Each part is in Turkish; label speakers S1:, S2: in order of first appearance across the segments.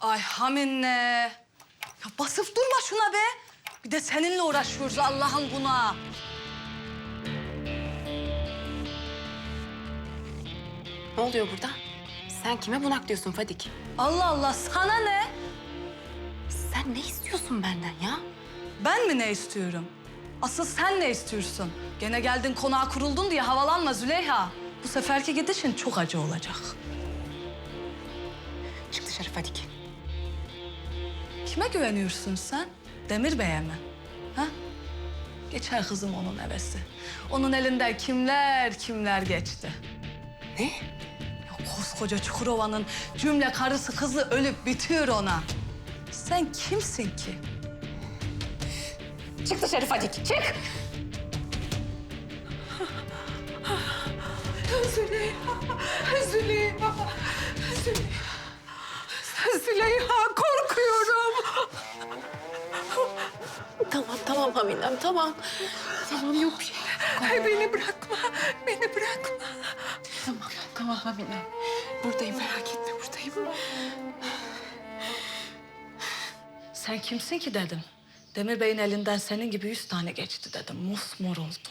S1: Ay Hamine. Ya basıp durma şuna be. Bir de seninle uğraşıyoruz Allah'ım buna.
S2: Ne oluyor burada? Sen kime bunak diyorsun Fadik?
S1: Allah Allah sana ne?
S2: Sen ne istiyorsun benden ya?
S1: Ben mi ne istiyorum? Asıl sen ne istiyorsun? Gene geldin konağa kuruldun diye havalanma Züleyha. Bu seferki gidişin çok acı olacak.
S2: Çık dışarı Fadik.
S1: Kime güveniyorsun sen? Demir Bey'e mi? Ha? Geçer kızım onun hevesi. Onun elinden kimler geçti.
S2: Ne?
S1: Ya koskoca Çukurova'nın cümle karısı kızı ölüp bitiyor ona. Sen kimsin ki?
S2: Çık dışarı Fadik, çık!
S3: Züleyha korkuyorum.
S2: Tamam Haminem, tamam. Tamam, yok bir şey.
S3: Beni bırakma, beni bırakma.
S2: Tamam Haminem. Buradayım, merak etme, buradayım.
S1: Sen kimsin ki dedim. Demir Bey'in elinden senin gibi 100 tane geçti dedim. Mosmor oldu.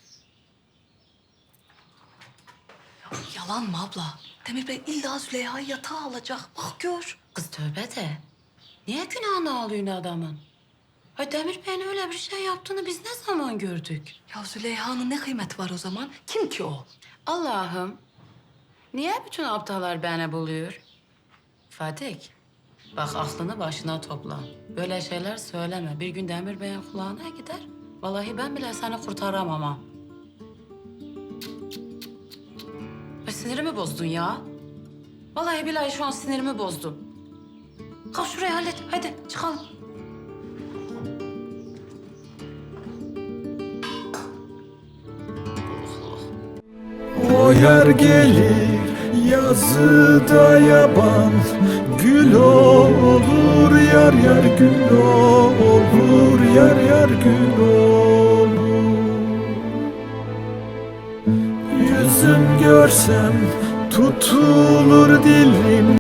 S1: Ya, yalan mı abla? Demir Bey illa Züleyha'yı yatağa alacak. Bak gör.
S4: Kız tövbe de. Niye günahını alıyorsun adamın? Ha Demir Bey'in öyle bir şey yaptığını biz ne zaman gördük?
S1: Ya Züleyha'nın ne kıymeti var o zaman? Kim ki o?
S4: Allah'ım. Niye bütün aptallar beni buluyor? Fadik, bak aklını başına topla. Böyle şeyler söyleme. Bir gün Demir Bey'in kulağına gider. Vallahi ben bile seni kurtaramam ha. Ay sinirimi bozdun ya. Vallahi billahi şu an sinirimi bozdun. Kalk şurayı hallet. Hadi çıkalım.
S5: O yer gelir yazıda yaban, gül olur yar yar gül olur yar yar gül olur. Yüzüm görsem tutulur dilim.